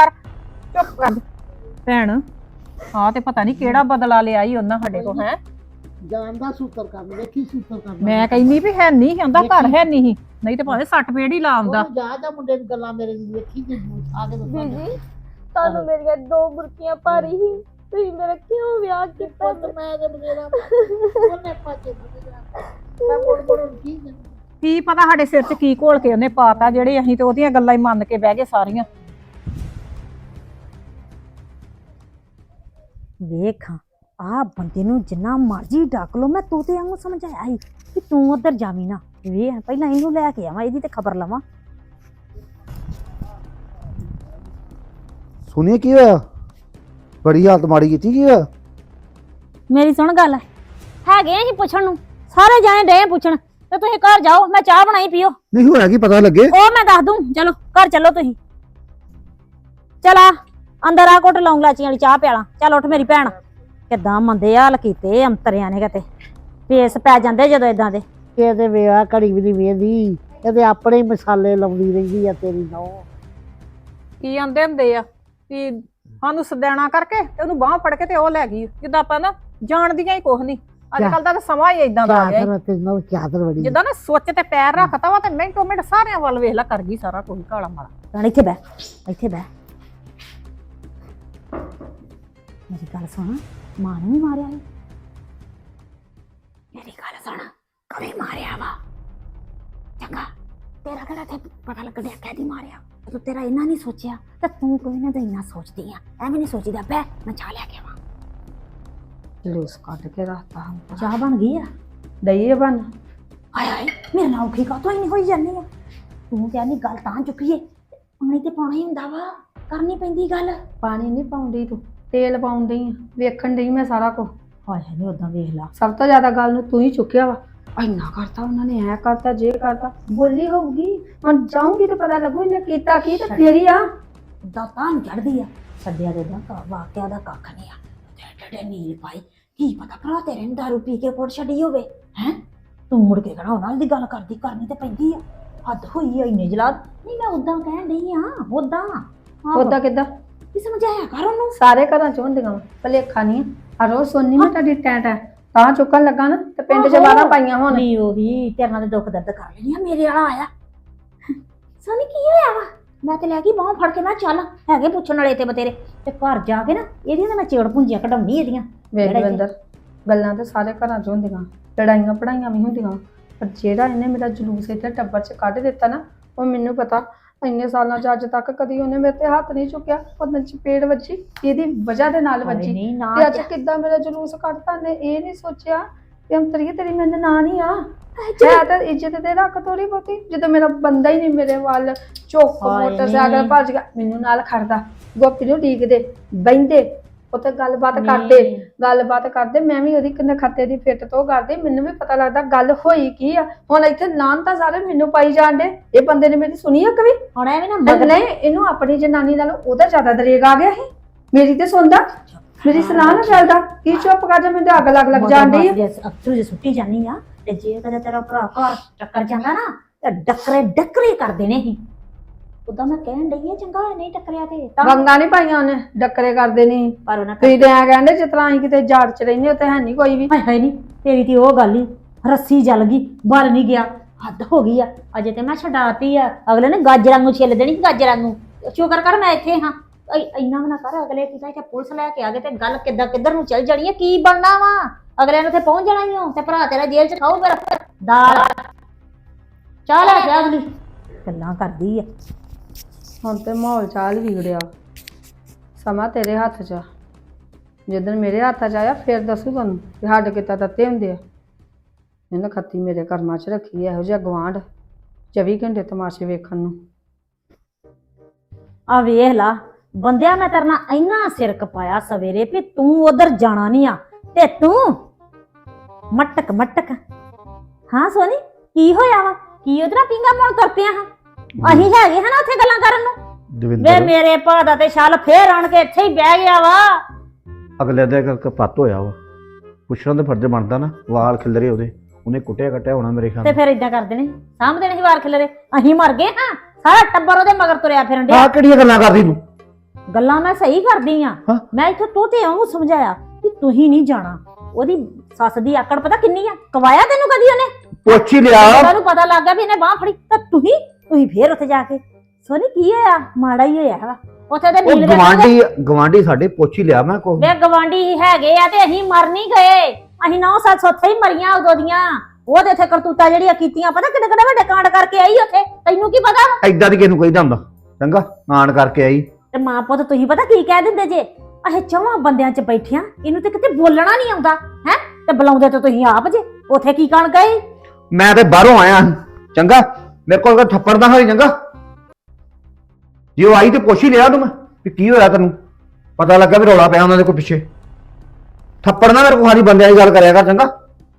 [SPEAKER 1] ਕਰ ਭੈਣ ਹਾਂ ਤੇ ਪਤਾ ਨਹੀਂ ਕਿਹੜਾ ਬਦਲਾ ਲਿਆ ਈ ਉਹਨਾਂ ਸਾਡੇ ਕੋਲ ਹੈ
[SPEAKER 2] ਜਾਨ ਦਾ ਸੂਤਰ ਕਰਨ ਵੇਖੀ ਸੂਤਰ ਕਰਨ
[SPEAKER 1] ਮੈਂ ਕਹਿੰਦੀ ਵੀ ਹੈ ਨਹੀਂ ਹੁੰਦਾ ਘਰ ਹੈ ਨਹੀਂ ਨਹੀਂ ਤੇ ਭਾਵੇਂ ਸੱਟ ਪੇੜ ਹੀ ਲਾਉਂਦਾ
[SPEAKER 2] ਜਾ ਮੁੰਡੇ ਦੀ ਗੱਲਾਂ ਮੇਰੇ ਨੂੰ ਵੇਖੀ ਤੇ ਆ ਕੇ ਦੱਸਾਂ
[SPEAKER 5] ਜੀ ਤੁਹਾਨੂੰ ਮੇਰੀਆਂ 2 ਬੁਰਕੀਆਂ ਭਾਰੀ ਸੀ ਤੁਸੀਂ ਮੇਰਾ ਕਿਉਂ ਵਿਆਹ ਕੀਤਾ
[SPEAKER 2] ਮੈਂ ਤੇ ਬਗੇਰਾ ਉਹਨੇ ਪਾਚੇ ਮੈਂ ਮੁੜ
[SPEAKER 1] ਕੀ ਪਤਾ ਸਾਡੇ ਸਿਰ 'ਚ ਕੀ ਘੋਲ ਕੇ ਉਹਨੇ ਪਾਤਾ ਜਿਹੜੇ ਅਸੀਂ ਤੇ ਉਹਦੀਆਂ ਗੱਲਾਂ ਹੀ ਮੰਨ ਕੇ ਬਹਿ ਗਏ ਸਾਰੀਆਂ
[SPEAKER 3] ਵੇਖ ਆ ਬੰਦੇ ਨੂੰ ਜਿੰਨਾ ਮਰਜ਼ੀ ਡੱਕ ਲੋ ਮੈਂ ਤੋਤੇ ਵਾਂਗੂ ਸਮਝਾਇਆ ਸੀ ਕਿ ਤੂੰ ਉਧਰ ਜਾਵੀਂ ਨਾ ਵੇਖ ਪਹਿਲਾਂ ਇਹਨੂੰ ਲੈ ਕੇ ਆਵਾਂ ਇਹਦੀ ਤੇ ਖਬਰ ਲਵਾਂ
[SPEAKER 6] ਸੁਣੀਏ ਕੀ ਹੋਇਆ ਬੜੀ ਹਾਲਤ ਮਾੜੀ ਕੀਤੀ ਕੀ ਹੋਇਆ
[SPEAKER 3] ਮੇਰੀ ਸੁਣ ਗੱਲ ਹੈਗੇ ਅਸੀਂ ਪੁੱਛਣ ਨੂੰ ਸਾਰੇ ਜਾਣੇ ਡੇ ਪੁੱਛਣ ਤੇ ਤੁਸੀਂ ਘਰ ਜਾਓ ਮੈਂ ਚਾਹ ਬਣਾਈ ਪੀਓ
[SPEAKER 6] ਨਹੀਂ ਹੋਇਆ ਕੀ ਪਤਾ ਲੱਗੇ
[SPEAKER 3] ਉਹ ਮੈਂ ਦੱਸ ਦੂੰ ਚਲੋ ਘਰ ਚੱਲੋ ਤੁਸੀਂ ਚਲਾ ਅੰਦਰ ਆ ਘੁੱਟ ਲੌਂਗ ਲਾਚੀਆਂ ਵਾਲੀ ਚਾਹ ਪਿਆਲਾ ਚੱਲ ਉੱਠ ਮੇਰੀ ਭੈਣ ਕਿੱਦਾਂ ਮੰਦੇ ਹਾਲ ਕੀਤੇ ਅੰਤਰਿਆਂ ਨੇ ਕਿਤੇ ਪੇਸ ਪੈ ਜਾਂਦੇ ਜਦੋਂ ਇਦਾਂ ਦੇ
[SPEAKER 2] ਇਹਦੇ ਵਿਆਹ ਘੜੀ ਵੀ ਨਹੀਂ ਵੇਂਦੀ ਇਹਦੇ ਆਪਣੇ ਹੀ ਮਸਾਲੇ ਲਾਉਂਦੀ ਰਹਿੰਦੀ ਆ ਤੇਰੀ ਨੌ
[SPEAKER 1] ਕੀ ਆਂਦੇ ਹੁੰਦੇ ਆ ਵੀ ਸਾਨੂੰ ਸਦੈਣਾ ਕਰਕੇ ਤੇ ਉਹਨੂੰ ਬਾਹ ਫੜ ਕੇ ਤੇ ਉਹ ਲੈ ਗਈ ਜਿੱਦਾਂ ਆਪਾਂ ਨਾ ਜਾਣਦੀਆਂ ਹੀ ਕੁਛ ਨਹੀਂ ਅੱਜ ਕੱਲ ਦਾ ਤਾਂ ਸਮਾਂ ਹੀ ਇਦਾਂ ਦਾ ਆ ਗਿਆ
[SPEAKER 2] ਚਾਦਰ ਤੇ ਨੌ ਚਾਦਰ ਬੜੀ
[SPEAKER 1] ਜਿੱਦਾਂ ਨਾ ਸੁੱਚ ਤੇ ਪੈਰ ਰੱਖਤਾ ਵਾ ਤੇ ਮਿੰਟੋ ਮਿੰਟ ਸਾਰਿਆਂ ਵੱਲ ਵੇਖ ਲਾ ਕਰ ਗਈ ਸਾਰਾ ਕੁਝ ਕਾਲਾ ਮਾਰਾ
[SPEAKER 3] ਭੈਣ ਇੱਥੇ ਬਹਿ ਮੇਰੀ ਗੱਲ ਸੁਣ ਮਾਂ ਨੇ ਵੀ ਮਾਰਿਆ ਸੀ ਮੇਰੀ ਗੱਲ ਸੁਣ ਕਦੇ ਮਾਰਿਆ ਵਾ ਚੰਗਾ ਤੇਰਾ ਕਿਹੜਾ ਤੇ ਪਤਾ ਲੱਗਦਾ ਕਦੀ ਮਾਰਿਆ ਤੂੰ ਤੇਰਾ ਇੰਨਾ ਨਹੀਂ ਸੋਚਿਆ ਤੇ ਤੂੰ ਕੋਈ ਨਾ ਤਾਂ ਇੰਨਾ ਸੋਚਦੀ ਆ ਐਵੇਂ ਨਹੀਂ ਸੋਚੀਦਾ ਬੈ ਮੈਂ ਚਾਹ ਲਿਆ ਕੇ ਆਵਾਂ
[SPEAKER 1] ਜਲੂਸ ਕੱਢ ਕੇ ਰੱਖਤਾ ਹਮ
[SPEAKER 3] ਚਾਹ ਬਣ ਗਈ ਆ
[SPEAKER 1] ਦਈਏ ਬਣ
[SPEAKER 3] ਹਾਏ ਹਾਏ ਮੇਰੇ ਨਾਲ ਔਖੀ ਕਾਤੋਂ ਹੀ ਨਹੀਂ ਹੋਈ ਜਾਂਦੀ ਆ ਤੂੰ ਕਹਿੰਦੀ ਗੱਲ ਤਾਂ ਚੁੱਕੀਏ ਪਾਣੀ ਤੇ ਪਾਉਣਾ ਹੀ ਹੁੰਦਾ ਵਾ ਕਰਨੀ ਪੈਂਦੀ ਗੱਲ
[SPEAKER 1] ਪਾਣੀ ਨਹੀਂ ਪਾਉਂਦੀ ਤੂੰ ਤੇਲ ਪਾਉਂਦੀ ਆ ਵੇਖਣ ਡਈ ਮੈਂ ਸਾਰਾ ਕੁਝ
[SPEAKER 3] ਹਾਏ ਹਾਏ ਨਹੀਂ ਉਦਾਂ ਵੇਖ ਲਾ
[SPEAKER 1] ਸਭ ਤੋਂ ਜ਼ਿਆਦਾ ਗੱਲ ਨੂੰ ਤੂੰ ਹੀ ਚੁੱਕਿਆ ਵਾ ਇੰਨਾ ਕਰਤਾ ਉਹਨਾਂ ਨੇ ਐ ਕਰਤਾ ਜੇ ਕਰਤਾ ਬੋਲੀ ਹੋਊਗੀ ਹੁਣ ਜਾਊਂਗੀ ਤੇ ਪਤਾ ਲੱਗੂ ਇਹਨੇ ਕੀਤਾ ਕੀ ਤੇ ਫੇਰੀ ਆ
[SPEAKER 3] ਉਦਾਂ ਤਾਂ ਚੜਦੀ ਆ ਛੱਡਿਆ ਦੇ ਦਾ ਵਾਕਿਆ ਦਾ ਕੱਖ ਨਹੀਂ ਆ ਡੇਡੇ ਨੀਲ ਪਾਈ ਕੀ ਪਤਾ ਭਰਾ ਤੇਰੇ ਨੂੰ ਦਾਰੂ ਪੀ ਕੇ ਕੋਟ ਛੱਡੀ ਹੋਵੇ ਹੈ ਤੂੰ ਮੁੜ ਕੇ ਕਹਣਾ ਉਹਨਾਂ ਦੀ ਗੱਲ ਕਰਨੀ ਤੇ ਪੈਂਦੀ ਆ ਹੱਦ ਹੋਈ ਆ ਇੰਨੇ ਜਲਾਦ ਨਹੀਂ ਮੈਂ ਉਦਾਂ ਕਹਿਣ ਡਈ ਆ
[SPEAKER 1] ਉਦਾਂ ਕਿੱਦਾਂ
[SPEAKER 3] ਵੀ ਸਮਝਾਇਆ ਕਰ ਉਹਨੂੰ
[SPEAKER 1] ਸਾਰੇ ਘਰਾਂ ਚ ਹੁੰਦੀਆਂ ਭਲੇਖਾ ਨਹੀਂ ਆ ਰੋਜ਼ ਸੋਨੀ ਮੈਂ ਤੁਹਾਡੀ ਟੈਂਟ ਹੈ ਤਾਂ ਚੁੱਕਣ ਲੱਗਾ ਨਾ ਤੇ ਪਿੰਡ ਚ ਬਾਰਾਂ ਪਾਈਆਂ ਹੁਣ
[SPEAKER 3] ਨਹੀਂ ਉਹੀ ਤੇਰੇ ਨਾਲ ਦੁੱਖ ਦਰਦ ਕਰ ਲੈਣੀ ਆ ਮੇਰੇ ਵਾਲਾ ਆਇਆ ਸੋਨੀ ਕੀ ਹੋਇਆ ਵਾ ਮੈਂ ਤੇ ਲੈ ਗਈ ਬਾਹਾਂ ਫੜ ਕੇ ਨਾ ਚੱਲ ਹੈਗੇ ਪੁੱਛਣ ਵਾਲੇ ਤੇ ਬਤੇਰੇ ਤੇ ਘਰ ਜਾ ਕੇ ਨਾ ਇਹਦੀਆਂ ਤਾਂ ਮੈਂ ਚੇੜ ਪੁੰਜੀਆਂ ਕਢਾਉਣੀ ਇਹਦੀਆਂ
[SPEAKER 1] ਵੇਖ ਦਵਿੰਦਰ ਗੱਲਾਂ ਤੇ ਸਾਰੇ ਘਰਾਂ ਚ ਹੁੰਦੀਆਂ ਲੜਾਈਆਂ ਪੜਾਈਆਂ ਵੀ ਹੁੰਦੀਆਂ ਪਰ ਜਿਹੜਾ ਇਹਨੇ ਮੇਰਾ ਜਲੂਸ ਇੱਥੇ ਟੱਬਰ ਚ ਕੱਢ ਦਿੱਤਾ ਨਾ ਉਹ ਮੈਨੂੰ ਪਤਾ ਇੰਨੇ ਸਾਲਾਂ ਚ ਅੱਜ ਤੱਕ ਕਦੀ ਉਹਨੇ ਮੇਰੇ ਤੇ ਹੱਥ ਨਹੀਂ ਚੁੱਕਿਆ ਉਹਦੇ ਚ ਪੇੜ ਵੱਜੀ ਇਹਦੀ ਵਜ੍ਹਾ ਦੇ ਨਾਲ ਵੱਜੀ
[SPEAKER 3] ਨਹੀਂ ਨਾ
[SPEAKER 1] ਤੇ ਅੱਜ ਕਿੱਦਾਂ ਮੇਰਾ ਜਲੂਸ ਕੱਢਤਾ ਨੇ ਇਹ ਨਹੀਂ ਸੋਚਿਆ ਕਿ ਅੰਤਰੀਏ ਤੇਰੀ ਮੇਰੇ ਨਾਂ ਨਹੀਂ ਆ ਹੈ ਤਾਂ ਇੱਜ਼ਤ ਦੇ ਰੱਖ ਥੋੜੀ ਬਹੁਤੀ ਜਦੋਂ ਮੇਰਾ ਬੰਦਾ ਹੀ ਨਹੀਂ ਮੇਰੇ ਵੱਲ ਚੁੱਕ
[SPEAKER 3] ਹਾਏ
[SPEAKER 1] ਮੋਟਰਸਾਈਕਲ
[SPEAKER 3] ਨੀ।
[SPEAKER 1] ਭੱਜ ਗਿਆ ਮੈਨੂੰ ਨਾਲ ਖੜਦਾ ਗੋਪੀ ਨੂੰ ਡੀਕਦੇ ਬਹਿੰਦੇ ਉੱਥੇ ਗੱਲਬਾਤ ਕਰਦੇ ਮੈਂ ਵੀ ਉਹਦੀ ਕਿੰਨੇ ਖੱਤੇ ਦੀ ਫਿੱਟ ਤੋਂ ਕਰਦੀ ਮੈਨੂੰ ਵੀ ਪਤਾ ਲੱਗਦਾ ਗੱਲ ਹੋਈ ਕੀ ਆ ਹੁਣ ਇੱਥੇ ਨਾਂ ਤਾਂ ਸਾਰੇ ਮੈਨੂੰ ਪਾਈ ਜਾਂਦੇ ਇਹ ਬੰਦੇ ਨੇ ਮੇਰੀ ਸੁਣੀ ਆ ਕਵੀ
[SPEAKER 3] ਹੁਣ ਐਵੇਂ ਨਾ
[SPEAKER 1] ਨਹੀਂ ਇਹਨੂੰ ਆਪਣੀ ਜਨਾਨੀ ਨਾਲ ਉਹਦਾ ਜ਼ਿਆਦਾ ਦਰੇਗ ਆ ਗਿਆ ਸੀ ਮੇਰੀ ਤੇ ਸੁਣਦਾ ਮੇਰੀ ਸਲਾਹ ਨਾ ਚੱਲਦਾ ਕੀ ਚੁੱਪ ਕਰ ਜਾ ਮੈਨੂੰ ਤਾਂ ਅੱਗ ਲੱਗ ਜਾਂਦੀ ਆ
[SPEAKER 3] ਅਕਸਰ ਜੇ ਸੁੱਟੀ ਜਾਨੀ ਆ ਤੇ ਜੇ ਕਦੇ ਤੇਰਾ ਭਰਾ ਘਰ ਟੱਕਰ ਜਾਂਦਾ ਨਾ ਤੇ ਡੱਕਰੇ ਕਰ ਦੇਣੇ ਸੀ ਉਦਾਂ ਮੈਂ ਕਹਿਣ ਡਈ ਆ ਚੰਗਾ ਹੋਇਆ ਨਹੀਂ ਟੱਕਰਿਆ ਤੇ ਤਾਂ
[SPEAKER 1] ਵੰਗਾ ਨਹੀਂ ਪਾਈਆਂ ਉਹਨੇ ਡੱਕਰੇ ਕਰਦੇ ਨਹੀਂ
[SPEAKER 3] ਪਰ ਉਹਨਾਂ
[SPEAKER 1] ਤੁਸੀਂ ਤੇ ਐ ਕਹਿੰਦੇ ਜਿਸ ਤਰ੍ਹਾਂ ਅਸੀਂ ਕਿਤੇ ਜਾੜ ਚ ਰਹਿੰਦੇ ਉੱਥੇ ਹੈ ਨਹੀਂ ਕੋਈ ਵੀ
[SPEAKER 3] ਹਾਏ ਹਾਏ ਨਹੀਂ ਤੇਰੀ ਤੇ ਉਹ ਗੱਲ ਹੀ ਰੱਸੀ ਜਲ ਗਈ ਬਲ ਨਹੀਂ ਗਿਆ ਹੱਦ ਹੋ ਗਈ ਆ ਅਜੇ ਤੇ ਮੈਂ ਛਡਾਤੀ ਆ ਅਗਲੇ ਨੇ ਗਾਜਰਾਂ ਨੂੰ ਛਿੱਲ ਦੇਣੀ ਗਾਜਰਾਂ ਨੂੰ ਸ਼ੁਕਰ ਕਰ ਮੈਂ ਇੱਥੇ ਹਾਂ ਇੰਨਾ ਨਾ ਕਰ ਅਗਲੇ ਕਿਤੇ ਇੱਥੇ ਪੁਲਿਸ ਲੈ ਕੇ ਆ ਗਏ ਤੇ ਗੱਲ ਕਿੱਧਰ ਨੂੰ ਚੱਲ ਜਾਣੀ ਆ ਕੀ ਬਣਨਾ ਵਾ ਅਗਲੇ ਨੂੰ ਤੇ ਪਹੁੰਚ ਜਾਣਾ ਹੀ ਹੋ ਤੇ ਭਰਾ ਤੇਰਾ ਜੇਲ੍ਹ ਚ ਖਾਊ ਫਿਰ ਦਾਲ ਚਾਹ ਲੈ ਕੇ ਅਗਲੀ ਗੱਲਾਂ ਕਰਦੀ ਆ
[SPEAKER 1] ਹੁਣ ਤੇ ਮਾਹੌਲ ਚਾਲ ਵਿਗੜਿਆ ਸਮਾਂ ਤੇਰੇ ਹੱਥ 'ਚ ਆ ਜਦੋਂ ਮੇਰੇ ਹੱਥ 'ਚ ਆਇਆ ਫਿਰ ਦੱਸੂ ਤੁਹਾਨੂੰ ਕਿ ਸਾਡੇ ਕਿੱਦਾਂ ਤੱਤੇ ਹੁੰਦੇ ਆ ਇਹਨੇ ਖੱਤੀ ਮੇਰੇ ਕਰਮਾਂ 'ਚ ਰੱਖੀ ਇਹੋ ਜਿਹਾ ਗਵਾਂਢ 24 ਘੰਟੇ ਤਮਾਸ਼ੇ ਵੇਖਣ ਨੂੰ
[SPEAKER 3] ਆ ਵੇਖ ਲਾ ਬੰਦਿਆ ਮੈਂ ਤੇਰੇ ਨਾਲ ਇੰਨਾ ਸਿਰ ਕਪਾਇਆ ਸਵੇਰੇ ਵੀ ਤੂੰ ਉਧਰ ਜਾਣਾ ਨਹੀਂ ਆ ਤੇ ਤੂੰ ਮਟਕ ਹਾਂ ਸੋਨੀ ਕੀ ਹੋਇਆ ਵਾ ਕੀ ਉਧਰ ਪਿੰਗਾ ਮੋੜ ਤੁਰ ਪਿਆ ਹਾਂ ਅਸੀਂ ਹੈਗੇ ਹਾਂ ਨਾ ਉੱਥੇ ਗੱਲਾਂ ਕਰਨ ਨੂੰ ਵੇ
[SPEAKER 6] ਦਵਿੰਦਰ
[SPEAKER 3] ਮੇਰੇ ਭਾ ਦਾ ਤੇ ਛਲ ਫੇਰ ਆਣ ਕੇ ਇੱਥੇ ਹੀ ਬਹਿ ਗਿਆ ਵਾ
[SPEAKER 6] ਅਗਲੇ ਦੇ ਕਰਕੇ ਪੱਤ ਹੋਇਆ ਵਾ ਪੁੱਛਣ ਦਾ ਫਰਜ਼ ਬਣਦਾ ਨਾ ਵਾਲ ਖਿਲਰੇ ਉਹਨੇ ਕੁੱਟਿਆ ਕੱਟਿਆ ਹੋਣਾ ਮੇਰੇ ਖਿਆਲ
[SPEAKER 3] ਤੇ ਫਿਰ ਇਦਾਂ ਕਰਦੇ ਨੇ ਸਾਹਮਣੇ ਨਹੀਂ ਵਾਰ ਖਿਲਰੇ ਅਸੀਂ ਮਰ ਗਏ ਹਾਂ ਸਾਰਾ ਟੱਬਰ ਉਹਦੇ ਮਗਰ ਤੁਰਿਆ ਫਿਰਨ ਡਿਆ
[SPEAKER 6] ਆਹ ਕਿਹੜੀਆਂ ਗੱਲਾਂ ਕਰਦੀ ਤੂੰ
[SPEAKER 3] ਗੱਲਾਂ ਮੈਂ ਸਹੀ ਕਰਦੀ ਆ
[SPEAKER 6] ਹਾਂ।
[SPEAKER 3] ਮੈਂ ਇੱਥੇ ਤੋਤੇ ਉਹਨੂੰ ਸਮਝਾਇਆ ਕਿ ਤੁਸੀਂ ਨਹੀਂ ਜਾਣਾ ਉਹਦੀ ਸੱਸ ਦੀ ਆਕੜ ਪਤਾ ਕਿੰਨੀ ਆ ਕਵਾਇਆ ਤੈਨੂੰ ਕਦੀ ਉਹਨੇ
[SPEAKER 6] ਪੁੱਛ ਹੀ ਲਿਆ
[SPEAKER 3] ਉਹਨੂੰ ਪਤਾ ਲੱਗ ਗਿਆ ਵੀ ਇਹਨੇ ਬਾਹ ਫੜੀ ਤਾਂ ਤੁਸੀਂ ਫੇਰ ਉੱਥੇ ਜਾ ਕੇ ਸੋਨੀ ਕੀ ਹੋਇਆ ਮਾੜਾ ਹੀ ਹੋਇਆ ਵਾ ਉੱਥੇ ਤੇ ਨੀਲ
[SPEAKER 6] ਗਵਾਂਢੀ ਸਾਡੇ ਪੁੱਛ ਹੀ ਲਿਆ ਮੈਂ ਕੋ
[SPEAKER 3] ਵੇ ਗਵਾਂਢੀ ਹੈਗੇ ਆ ਤੇ ਅਸੀਂ ਮਰ ਨਹੀਂ ਗਏ ਅਸੀਂ 9-7 ਉੱਥੇ ਹੀ ਮਰੀਆਂ ਉਦੋਂ ਦੀਆਂ ਉਹਦੇ ਇੱਥੇ ਕਰਤੂਤਾਂ ਜਿਹੜੀਆਂ ਕੀਤੀਆਂ ਪਤਾ ਕਿੱਡੇ ਕਿੱਡੇ ਵੱਡੇ ਕਾਂਡ ਕਰਕੇ ਆਈ ਉੱਥੇ ਤੈਨੂੰ ਕੀ ਪਤਾ
[SPEAKER 6] ਐਦਾਂ ਦੀ ਕਿਸ ਨੂੰ ਕਹੀਦਾ ਹੁੰਦਾ ਚੰਗਾ ਆਣ ਕਰਕੇ ਆਈ
[SPEAKER 3] ਤੇ ਮਾਂ ਪੁੱਤ ਤੁਸੀਂ ਪਤਾ ਕੀ ਕਹਿ ਦਿੰਦੇ ਜੇ ਅਸੀਂ ਚੌਵਾਂ ਬੰਦਿਆਂ 'ਚ ਬੈਠਿਆਂ ਇਹਨੂੰ ਤੇ ਕਿਤੇ ਬੋਲਣਾ ਨਹੀਂ ਆਉਂਦਾ ਹੈ ਤੇ ਬੁਲਾਉਂਦੇ ਤਾਂ ਤੁਸੀਂ ਆਪ ਜੇ ਉੱਥੇ ਕੀ ਕਰਨ ਗਏ
[SPEAKER 6] ਮੈਂ ਤੇ ਬਾਹਰੋਂ ਆਇਆ ਚੰਗਾ ਮੇਰੇ ਕੋਲ ਥੱਪੜ ਦਾ ਹੋਈ ਚੰਗਾ ਜੇ ਉਹ ਆਈ ਤੇ ਪੁੱਛ ਹੀ ਲਿਆ ਤੂੰ ਮੈਂ ਵੀ ਕੀ ਹੋਇਆ ਤੈਨੂੰ ਪਤਾ ਲੱਗਾ ਵੀ ਰੌਲਾ ਪਿਆ ਉਹਨਾਂ ਦੇ ਕੋਈ ਪਿੱਛੇ ਥੱਪੜ ਨਾ ਮੇਰੇ ਕੋਲ ਸਾਰੀ ਬੰਦਿਆਂ ਦੀ ਗੱਲ ਕਰਿਆ ਕਰ ਚੰਗਾ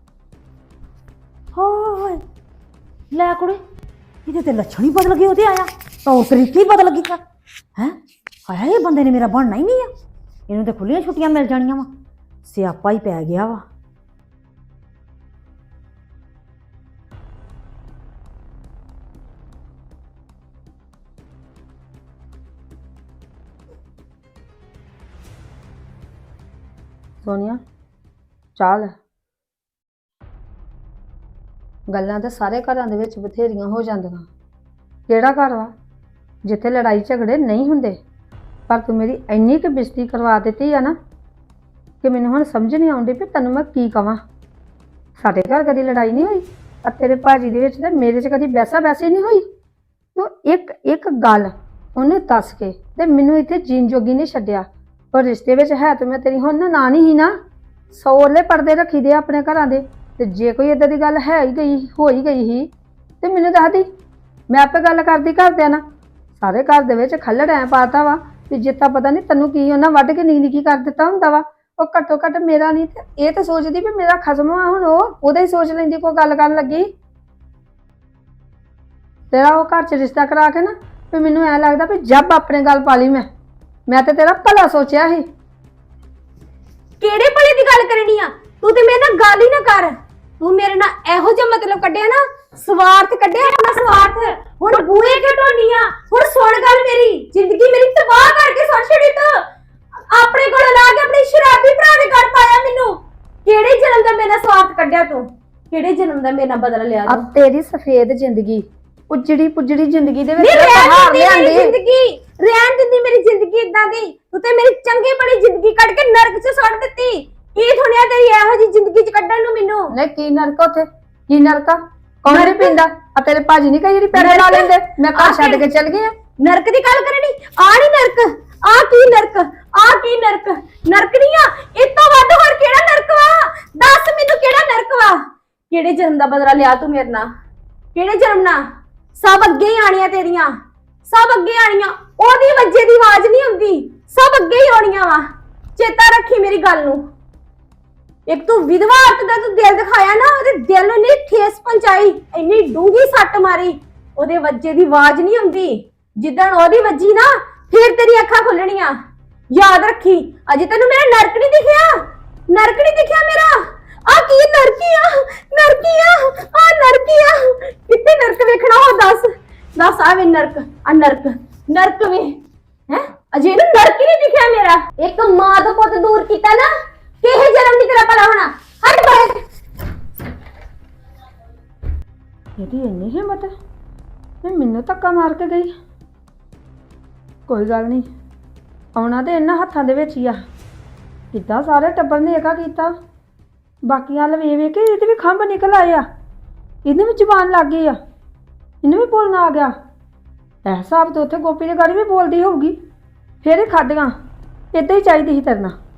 [SPEAKER 3] ਹਾਏ ਲੈ ਕੁੜੇ ਇਹਦੇ ਤੇ ਲੱਛਣ ਹੀ ਬਦਲ ਗਏ ਉਹਦੇ ਆਇਆ ਤੌਰ ਤਰੀਕੇ ਹੀ ਬਦਲ ਗਈ ਹੈ ਹਾਏ ਇਹ ਬੰਦੇ ਨੇ ਮੇਰਾ ਬਣਨਾ ਹੀ ਨਹੀਂ ਆ ਇਹਨੂੰ ਤੇ ਖੁੱਲੀਆਂ ਛੁੱਟੀਆਂ ਮਿਲ ਜਾਣੀਆਂ ਵਾ ਸਿਆਪਾ ਹੀ ਪੈ ਗਿਆ ਵਾ
[SPEAKER 1] ਸੋਨੀਆ ਚਾਲ ਗੱਲਾਂ ਤਾਂ ਸਾਰੇ ਘਰਾਂ ਦੇ ਵਿੱਚ ਬਥੇਰੀਆਂ ਹੋ ਜਾਂਦੀਆਂ ਕਿਹੜਾ ਘਰ ਵਾ ਜਿੱਥੇ ਲੜਾਈ ਝਗੜੇ ਨਹੀਂ ਹੁੰਦੇ ਪਰ ਤੂੰ ਮੇਰੀ ਇੰਨੀ ਕੁ ਬੇਇੱਜ਼ਤੀ ਕਰਵਾ ਦਿੱਤੀ ਆ ਨਾ ਕਿ ਮੈਨੂੰ ਹੁਣ ਸਮਝ ਨਹੀਂ ਆਉਂਦੀ ਵੀ ਤੈਨੂੰ ਮੈਂ ਕੀ ਕਵਾਂ ਸਾਡੇ ਘਰ ਕਦੀ ਲੜਾਈ ਨਹੀਂ ਹੋਈ
[SPEAKER 5] ਆ ਤੇਰੇ ਭਾਜੀ ਦੇ ਵਿੱਚ ਤੇ ਮੇਰੇ 'ਚ ਕਦੀ ਵੈਸਾ ਵੈਸੇ ਨਹੀਂ ਹੋਈ। ਤੂੰ ਇੱਕ ਇੱਕ ਗੱਲ ਉਹਨੂੰ ਦੱਸ ਕੇ ਤੇ ਮੈਨੂੰ ਇੱਥੇ ਜੀਣ ਜੋਗੀ ਨਹੀਂ ਛੱਡਿਆ। ਪਰ ਰਿਸ਼ਤੇ ਵਿੱਚ ਹੈ ਤੇ ਮੈਂ ਤੇਰੀ ਹੁਣ ਨਾ ਨਹੀਂ ਹੀ ਨਾ। ਸੌਲੇ ਪਰਦੇ ਰੱਖੀ ਦੇ ਆਪਣੇ ਘਰਾਂ ਦੇ, ਤੇ ਜੇ ਕੋਈ ਏਦਾਂ ਦੀ ਗੱਲ ਹੈ ਹੀ ਗਈ ਹੋ ਹੀ ਗਈ ਸੀ ਤੇ ਮੈਨੂੰ ਦੱਸ ਦੀ, ਮੈਂ ਆਪੇ ਗੱਲ ਕਰਦੀ ਘਰਦਿਆਂ ਨਾਲ। ਸਾਰੇ ਘਰ ਦੇ ਵਿੱਚ ਖੱਲੜ ਐ ਪਾਤਾ ਵਾ ਵੀ ਜਿੱਤਾ ਪਤਾ ਨਹੀਂ ਤੈਨੂੰ ਕੀ ਉਹਨਾਂ ਵੱਢ ਕੇ ਨਿੱਕੀ ਨਿੱਕੀ ਕਰ ਦਿੱਤਾ ਹੁੰਦਾ ਵਾ। ਉਹ ਘੱਟੋ ਘੱਟ ਮੇਰਾ ਨਹੀਂ ਤੇ ਇਹ ਤਾਂ ਸੋਚਦੀ ਵੀ ਮੇਰਾ ਖਸਮ ਆ, ਹੁਣ ਉਹਦਾ ਹੀ ਸੋਚ ਲੈਂਦੀ ਕੋਈ ਗੱਲ ਕਰਨ ਲੱਗੀ। ਤੇਰਾ ਉਹ ਘਰ 'ਚ ਰਿਸ਼ਤਾ ਕਰਾ ਕੇ ਨਾ ਵੀ ਮੈਨੂੰ ਐ ਲੱਗਦਾ ਵੀ ਜੱਬ ਆਪਣੇ ਗੱਲ ਪਾ ਲਈ। ਮੈਂ ਤੇ ਤੇਰਾ ਭਲਾ ਸੋਚਿਆ ਸੀ।
[SPEAKER 7] ਕਿਹੜੇ ਭਲੇ ਦੀ ਗੱਲ ਕਰਨੀ ਆ ਤੂੰ? ਤੇ ਮੇਰੇ ਨਾਲ ਗੱਲ ਹੀ ਨਾ ਕਰ। ਤੂੰ ਮੇਰੇ ਨਾਲ ਇਹੋ ਜਿਹਾ ਮਤਲਬ ਕੱਢਿਆ ਨਾ, ਸਵਾਰਥ ਕੱਢਿਆ ਆਪਣਾ ਸਵਾਰਥ। ਹੁਣ ਬੂਹੇ ਕਿਉਂ ਢੋਨੀ ਆ? ਹੁਣ ਸੁਣ ਗੱਲ ਮੇਰੀ, ਜ਼ਿੰਦਗੀ ਮੇਰੀ ਤਬਾਹ ਕਰਕੇ ਸੁਣ ਛੜੀ ਤੂੰ। ਆਪਣੇ ਕੋਲ ਲਾ ਕੇ ਆਪਣੇ ਸ਼ਰਾਬੀ ਭਰਾ ਦੇ ਘਰ ਪਾਇਆ ਮੈਨੂੰ। ਕਿਹੜੇ ਜਨਮ ਦਾ ਮੇਰੇ ਨਾਲ ਸਵਾਰਥ ਕੱਢਿਆ ਤੂੰ? ਕਿਹੜੇ ਜਨਮ ਦਾ ਮੇਰੇ ਨਾਲ ਬਦਲਾ ਲਿਆ
[SPEAKER 5] ਆ
[SPEAKER 7] ਤੂੰ?
[SPEAKER 5] ਤੇਰੀ ਸਫੇਦ ਜ਼ਿੰਦਗੀ, ਉਜੜੀ ਪੁਜੜੀ ਜ਼ਿੰਦਗੀ ਦੇ ਵਿੱਚ
[SPEAKER 7] ਨਹੀਂ ਰਹਿਣ
[SPEAKER 5] ਬਹਾਰ
[SPEAKER 7] ਦਿੰਦੀ ਮੇਰੀ
[SPEAKER 5] ਲਿਆਂਦੀ।
[SPEAKER 7] ਜ਼ਿੰਦਗੀ, ਰਹਿਣ ਦਿੰਦੀ ਮੇਰੀ ਜ਼ਿੰਦਗੀ ਇਦਾਂ ਦੀ। ਤੂੰ ਤੇ ਮੇਰੀ ਚੰਗੀ ਭਲੀ ਜ਼ਿੰਦਗੀ ਕੱਢ ਕੇ ਨਰਕ 'ਚ ਸੁੱਟ ਦਿੱਤੀ। ਕੀ ਥੁਣਿਆ ਤੇਰੀ ਇਹੋ ਜਿਹੀ ਜ਼ਿੰਦਗੀ 'ਚ ਕੱਢਣ ਨੂੰ ਮੈਨੂੰ?
[SPEAKER 5] ਨਹੀਂ ਕੀ ਨਰਕ ਉੱਥੇ, ਕੀ ਨਰਕਾ? ਕੌਣ ਨਹੀਂ ਪੀਂਦਾ? ਆ ਤੇਰੇ ਭਾਜੀ ਨਹੀਂ ਕਹੀ ਜਿਹੜੀ ਪੈੜੇ ਲਾ ਲੈਂਦੇ, ਮੈਂ ਘਰ ਛੱਡ ਕੇ ਚਲ ਗਈ ਆ।
[SPEAKER 7] ਨਰਕ ਦੀ ਗੱਲ ਕਰਨੀ? ਆ ਨਹੀਂ ਨਰਕ, ਆ ਕੀ ਨਰਕ? ਆ ਕੀ ਨਰਕ? ਨਰਕ ਨਹੀਂ ਆ, ਇਹ ਤੋਂ ਵੱਧ ਹੋਰ ਕਿਹੜਾ ਨਰਕ ਵਾ? ਦੱਸ ਮੈਨੂੰ ਕਿਹੜਾ ਨਰਕ ਵਾ? ਕਿਹੜੇ ਜਨਮ ਦਾ ਬਦਲਾ ਲਿਆ ਤੂੰ ਮੇਰੇ ਨਾਲ? ਕਿਹੜੇ ਜਨਮ ਨਾਲ? ਸਭ ਅੱਗੇ ਹੀ ਆਣੀਆਂ ਤੇਰੀਆਂ, ਸਭ ਅੱਗੇ ਆਣੀਆਂ। ਉਹਦੀ ਵੱਜੇ ਦੀ ਆਵਾਜ਼ ਨਹੀਂ ਹੁੰਦੀ, ਸਭ ਅੱਗੇ ਹੀ ਆਉਣੀਆਂ ਵਾ। ਚੇਤਾ ਰੱਖੀ ਮੇਰੀ ਗੱਲ ਨੂੰ। ਇੱਕ ਤੂੰ ਵਿਧਵਾ ਔਰਤ ਦਾ ਤੂੰ ਦਿਲ ਦਿਖਾਇਆ ਨਾ, ਉਹਦੇ ਦਿਲ ਨੂੰ ਇੰਨੀ ਠੇਸ ਪਹੁੰਚਾਈ, ਇੰਨੀ ਡੂੰਘੀ ਸੱਟ ਮਾਰੀ, ਉਹਦੇ ਵੱਜੇ ਦੀ ਆਵਾਜ਼ ਨਹੀਂ ਹੁੰਦੀ। ਜਿੱਦਣ ਉਹਦੀ ਵੱਜੀ ਨਾ ਫੇਰ ਤੇਰੀ ਅੱਖਾਂ ਖੁੱਲਣੀਆਂ। ਯਾਦ ਰੱਖੀ, ਅਜੇ ਤੈਨੂੰ ਮੇਰਾ ਨਰਕ ਨਹੀਂ ਦਿਖਿਆ, ਨਰਕ ਨਹੀਂ ਦਿਖਿਆ ਮੇਰਾ। ਆ ਕੀ ਨਰਕੀ ਆ? ਨਰਕੀ ਆ ਨਰਕੀ ਆ। ਕਿੱਥੇ ਨਰਕ ਵੇਖਣਾ ਹੋ? ਦੱਸ ਆ ਵੇ ਨਰਕ, ਆ ਨਰਕ ਵੇ ਹੈ। ਅਜੇ ਇਹਨੂੰ ਨਰਕ ਹੀ ਨਹੀਂ ਦਿਖਿਆ ਮੇਰਾ। ਇੱਕ ਮਾਂ ਤੋਂ ਪੁੱਤ ਦੂਰ ਕੀਤਾ ਨਾ, ਕਿਹੇ ਜਨਮ ਨਹੀਂ ਤੇਰਾ ਭਲਾ ਹੋਣਾ। ਹਟ ਬਾਹਰ।
[SPEAKER 5] ਇਹਦੀ ਇੰਨੀ ਹਿੰਮਤ ਤੇ ਮੈਨੂੰ ਧੱਕਾ ਮਾਰ ਕੇ ਗਈ। ਕੋਈ ਗੱਲ ਨਹੀਂ, ਆਉਣਾ ਤੇ ਇਹਨਾਂ ਹੱਥਾਂ ਦੇ ਵਿੱਚ ਹੀ ਆ। ਕਿੱਦਾਂ ਸਾਰੇ ਟੱਬਰ ਨੇ ਏਕਾ ਕੀਤਾ, ਬਾਕੀਆਂ ਵੱਲ ਵੇਖ ਕੇ ਇਹਦੇ ਵੀ ਖੰਭ ਨਿਕਲ ਆਏ ਆ, ਇਹਨੇ ਵੀ ਜ਼ੁਬਾਨ ਲੱਗ ਗਈ ਆ, ਇਹਨੂੰ ਵੀ ਬੋਲਣਾ ਆ ਗਿਆ। ਇਹ ਹਿਸਾਬ ਤੋਂ ਉੱਥੇ ਗੋਪੀ ਦੇ ਗਾੜੀ ਵੀ ਬੋਲਦੀ ਹੋਊਗੀ, ਫਿਰ ਇਹ ਖਾਦੀਆਂ। ਏਦਾਂ ਹੀ ਚਾਹੀਦੀ ਸੀ ਤੇਰੇ ਨਾਲ।